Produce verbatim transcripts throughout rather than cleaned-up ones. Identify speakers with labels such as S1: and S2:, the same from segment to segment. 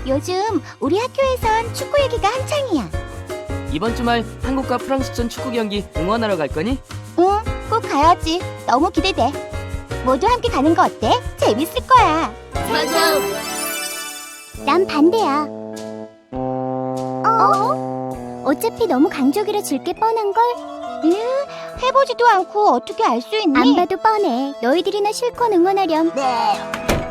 S1: 요즘 우리 학교에선 축구 얘기가 한창이야.
S2: 이번 주말 한국과 프랑스전 축구 경기 응원하러 갈 거니?
S1: 응, 꼭 가야지. 너무 기대돼. 모두 함께 가는 거 어때? 재밌을 거야.
S3: 맞아.
S1: 난 반대야. 어? 어차피 너무 강적이라 질 게 뻔한걸? 으, 해보지도 않고 어떻게 알 수 있니? 안 봐도 뻔해. 너희들이나 실컷 응원하렴.
S3: 네.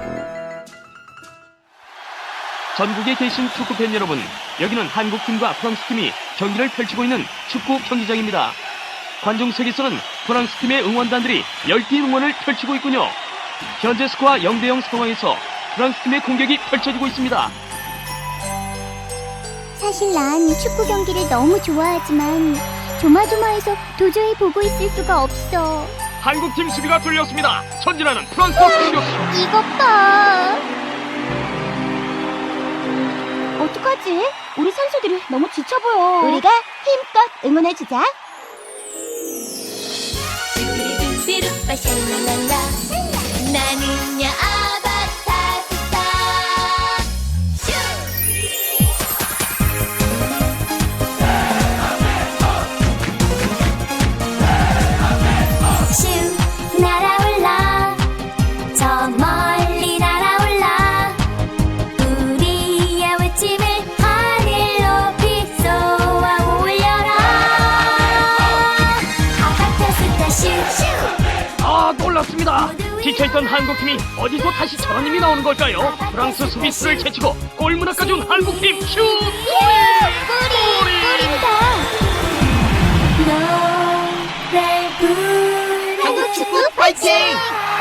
S4: 전국에 계신 축구팬 여러분, 여기는 한국팀과 프랑스팀이 경기를 펼치고 있는 축구 경기장입니다. 관중석에서는 프랑스팀의 응원단들이 열띤 응원을 펼치고 있군요. 현재 스코어 영 대 영 상황에서 프랑스팀의 공격이 펼쳐지고 있습니다.
S1: 사실 난 축구 경기를 너무 좋아하지만 조마조마해서 도저히 보고 있을 수가 없어.
S4: 한국팀 수비가 뚫렸습니다. 전진하는 프랑스 공격.
S1: 이것 봐. 어떡하지? 우리 선수들이 너무 지쳐 보여. 우리가 힘껏 응원해주자.
S3: 뚜루뚜루빠 샬랄랄라 나는야 아바타 스타 슈 날아올라 저 멀리 날아올라 우리의 외침을 하늘 높이 쏘아 올려라 아바타 스타 슈슈
S4: 아, 놀랍습니다. 지쳐있던 한국팀이 어디서 다시 저런 힘이 나오는 걸까요? 프랑스 수비수를 제치고 골문앞까지 온 한국팀 슛!
S1: 꼬리! 꼬린다.
S3: 노래 부르는
S1: 한국 축구 파이팅!